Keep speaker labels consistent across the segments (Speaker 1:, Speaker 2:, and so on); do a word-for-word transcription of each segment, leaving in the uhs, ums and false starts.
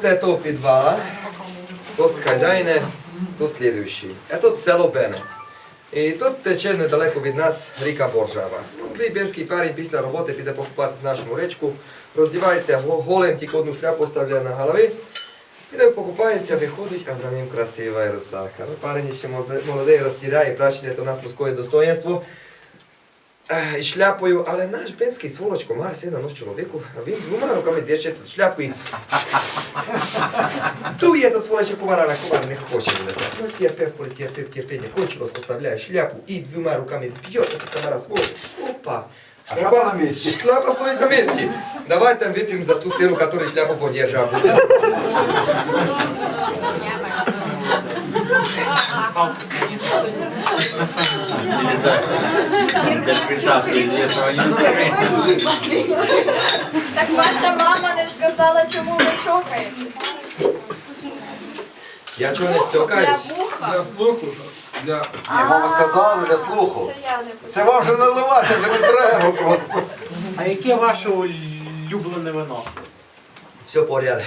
Speaker 1: Доста этого подвала, дост хозяина, дост следующий. Это село Бене. І тут тече недалеко від нас ріка Боржава. Бенський парень після роботи піде покупатися нашу річку, роздівається голим, тільки одну шляпу ставляє на голові, піде покупається, виходить, а за ним красива русалка. Ну, парень ще молодий, розтіряє, прачне, це у нас мужське достоинство. І шляпою, але наш бенський сволоч комар сина нос чоловіку, а він двома руками держить тут шляпу і дує тут сволоча комара, на комар не хоче вилетати. Ну терпев, терпев, терпение кончилось, оставляє шляпу і двома руками б'є этот комара сволоч. Опа!
Speaker 2: А шляпа на месте.
Speaker 1: Шляпа стоит на месте. Давай там выпьем за ту силу, которую шляпу подержал.
Speaker 3: Так ваша мама не сказала, чому ви чокаєте?
Speaker 1: Я чого не цьокаюсь?
Speaker 3: Для вуха?
Speaker 4: Для слуху. Для...
Speaker 2: Ні, мама сказала для слуху.
Speaker 3: Це я не
Speaker 2: Це вам вже наливати, вже не треба просто.
Speaker 5: А яке ваше улюблене вино?
Speaker 1: Все порядок.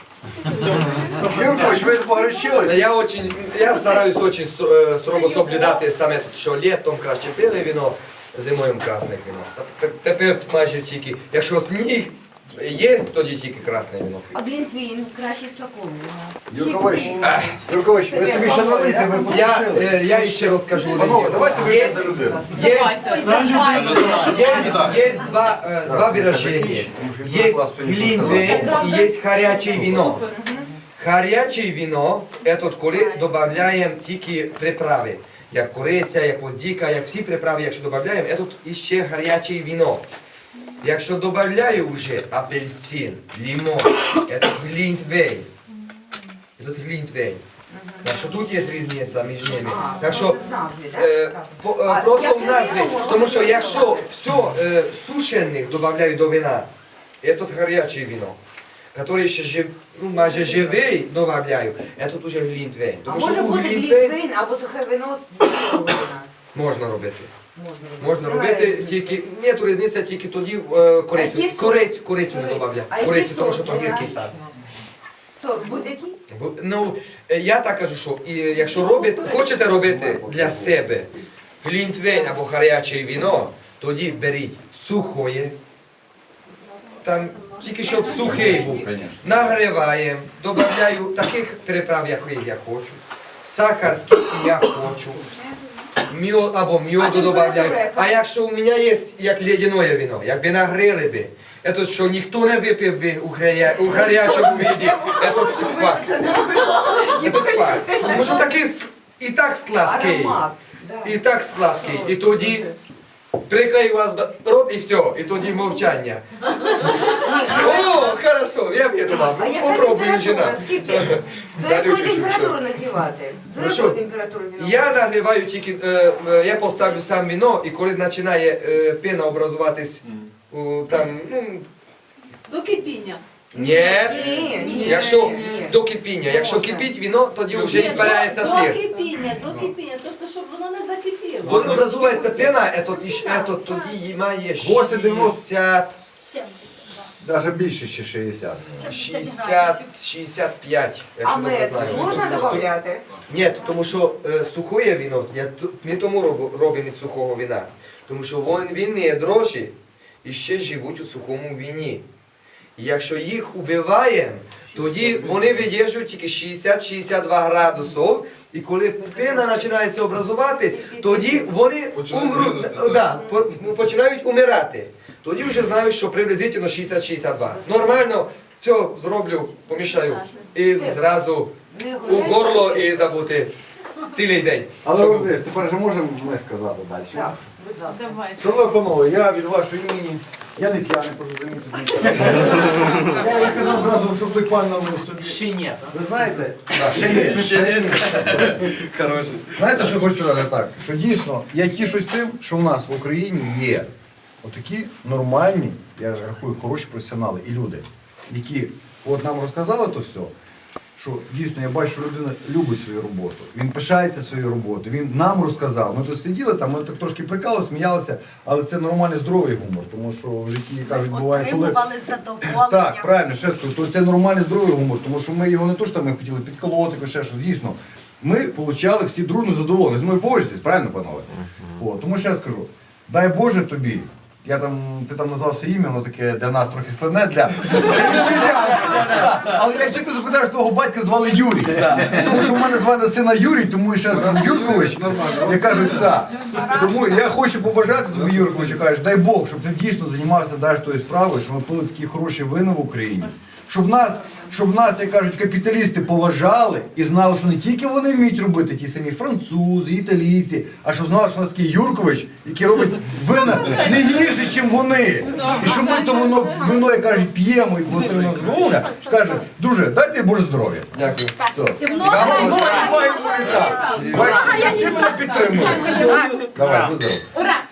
Speaker 2: Юркович, ви погорячились?
Speaker 1: Я очень, я стараюсь очень стро- э, строго соблюдати саме, що літом краще біле віно, зимою красне віно. Т- Тепер майже тільки, якщо сніг є, тоді тільки красне віно.
Speaker 6: А Глінтвейн краще з такого.
Speaker 2: Юркович, Юркович, ви собі ще налийте, ви
Speaker 1: Я,
Speaker 2: погорячились.
Speaker 1: э, я ще розкажу.
Speaker 2: Панове, давайте ви
Speaker 1: Є-
Speaker 2: за людину.
Speaker 1: Є, есть, есть два, э, два выражения. Есть глинтвейн и есть горячее вино. Горячее вино – это коли добавляем тільки приправи. Як куриця, як гвоздика, як всі приправи, якщо додаємо, це іще гаряче вино. Якщо додаю вже апельсин, лимон, це глинтвейн. Це глинтвейн. Так що тут є різниця між ними. Так що е, по- е, просто в назві, тому що якщо все е, сушених додаю до вина, це гаряче вино. Который ще жив, ну, майже живий добавляю, а тут уже глінтвейн.
Speaker 6: А
Speaker 1: Тому що
Speaker 6: може
Speaker 1: у
Speaker 6: бути
Speaker 1: глінтвейн
Speaker 6: Глінтвейн або сухе вино з цього вина?
Speaker 1: можна робити.
Speaker 6: Можна
Speaker 1: Можна робити тільки, нет різниця тільки тоді е,
Speaker 6: А
Speaker 1: корицю.
Speaker 6: який сорт?
Speaker 1: Корицю, корицю не додавляю.
Speaker 6: А який
Speaker 1: Корицю, тому що
Speaker 6: сорт
Speaker 1: то гіркий
Speaker 6: вибираєш?
Speaker 1: став.
Speaker 6: Сорт будь-який?
Speaker 1: Бо, ну, е, я так кажу, що і, якщо робите, хочете робити для себе глінтвейн або гаряче вино, тоді беріть сухоє, там тільки щоб сухий був. Нагріваємо, додаю таких приправ, як я хочу, сахар, скільки я хочу, мьод або мьоду додаю. А якщо у мене є як ледяне вино, якби нагріли би, це що ніхто не випив би у, гаря... у гарячому виді, це факт. Це факт. Тому що такий с- і так сладкий,
Speaker 6: Аромат.
Speaker 1: і так сладкий, і тоді приклею вас до рот і все, і тоді мовчання. О, хорошо, я вірю вам.
Speaker 6: А яка
Speaker 1: Попробую,
Speaker 6: температура?
Speaker 1: жена.
Speaker 6: Скільки? До
Speaker 1: Далі
Speaker 6: якої
Speaker 1: чуть-чуть,
Speaker 6: температури
Speaker 1: що?
Speaker 6: нагрівати? До
Speaker 1: Ну,
Speaker 6: якої
Speaker 1: що?
Speaker 6: температури вино?
Speaker 1: Я нагріваю тільки, е, е, я поставлю сам вино, і коли починає е, пена образуватись, у, там, ну,
Speaker 7: До кипіння.
Speaker 1: ні,
Speaker 6: Ні, ні,
Speaker 1: якщо
Speaker 6: ні.
Speaker 1: до кипіння, якщо
Speaker 6: Можна.
Speaker 1: кипить вино, тоді вже
Speaker 7: Ні,
Speaker 1: збирається
Speaker 7: до,
Speaker 1: спирт.
Speaker 7: до кипіння, до кипіння, тобто, щоб воно не закипіло.
Speaker 1: Коли образується пена, ето, ето, тоді має
Speaker 2: Гості дивно.
Speaker 1: шістдесят,
Speaker 2: Навіть більше, ще шістдесят.
Speaker 1: шістдесят, шістдесят п'ять,
Speaker 6: А
Speaker 1: якщо добре
Speaker 6: мед
Speaker 1: знаю.
Speaker 6: можна додати?
Speaker 1: Ні, тому що е, сухое вино, я ту- не тому роб- робимо із сухого вина, тому що вон- винні дрожжі і ще живуть у сухому вині. І якщо їх убиваємо, тоді вони видержують тільки шістдесят шістдесят два градусів, і коли пена починається образуватись, тоді вони
Speaker 4: Починають
Speaker 1: умруть,
Speaker 4: гинути,
Speaker 1: да, по- починають умирати. Тоді вже знаю, що приблизительно шістдесят шістдесят два. Нормально, все зроблю, помішаю і зразу
Speaker 6: Не
Speaker 1: у горло і забути цілий день.
Speaker 2: Але
Speaker 1: Щоб-
Speaker 2: Володимир, тепер вже можемо ми сказати далі.
Speaker 6: Так, будь ласка.
Speaker 7: Давай.
Speaker 2: Шановні панове, я від вашої імені, я не п'яний, прошу замітити. Я їй казав зразу, щоб той пан налив собі.
Speaker 5: Ще ні.
Speaker 2: Ви знаєте,
Speaker 1: Да, ще є, ще є. Коротше.
Speaker 2: знаєте, що хочу сказати так? Що дійсно, я тішусь тим, що в нас в Україні є отакі нормальні, я рахую, хороші професіонали і люди, які от нам розказали то все, що дійсно я бачу, що людина любить свою роботу. Він пишається своєю роботою. Він нам розказав. Ми тут сиділи, там ми так трошки прикали, сміялися, але це нормальний здоровий гумор, тому що в житті кажуть, буває, коли.
Speaker 4: Отримували задоволення.
Speaker 2: Так, правильно, ще скажу, то це нормальний здоровий гумор, тому що ми його не то, що ми хотіли підколоти, ще щось, дійсно. Ми отримали всі дружно задоволені. З мною погоджуєтесь, правильно, панове? О, тому ще скажу, дай Боже тобі, я там, ти там назвав своє ім'я, воно таке для нас трохи складне, для... Але я чесно запитаю, що твого батька звали Юрій. Тому що в мене звали сина Юрій, тому і ще скажу Юркович. Я кажу, так. Тому я хочу побажати тобі, Юрковичу, кажеш, дай Бог, щоб ти дійсно займався далі тою справою, щоб ми пили такі хороші вина в Україні. Щоб нас, щоб нас, як кажуть, капіталісти поважали і знали, що не тільки вони вміють робити, ті самі французи, італійці, а щоб знали, що у нас такий Юркович, який робить вина не гірше, ніж вони. І щоб ми то воно, вино, як кажуть, п'ємо і платимо здоров'я, каже, друже, дайте Боже здоров'я.
Speaker 1: Дякую.
Speaker 2: Все.
Speaker 4: І много
Speaker 2: Ну, буває, буває так. Бачите, всі мене підтримують. Давай, будь здоров.
Speaker 4: Ура!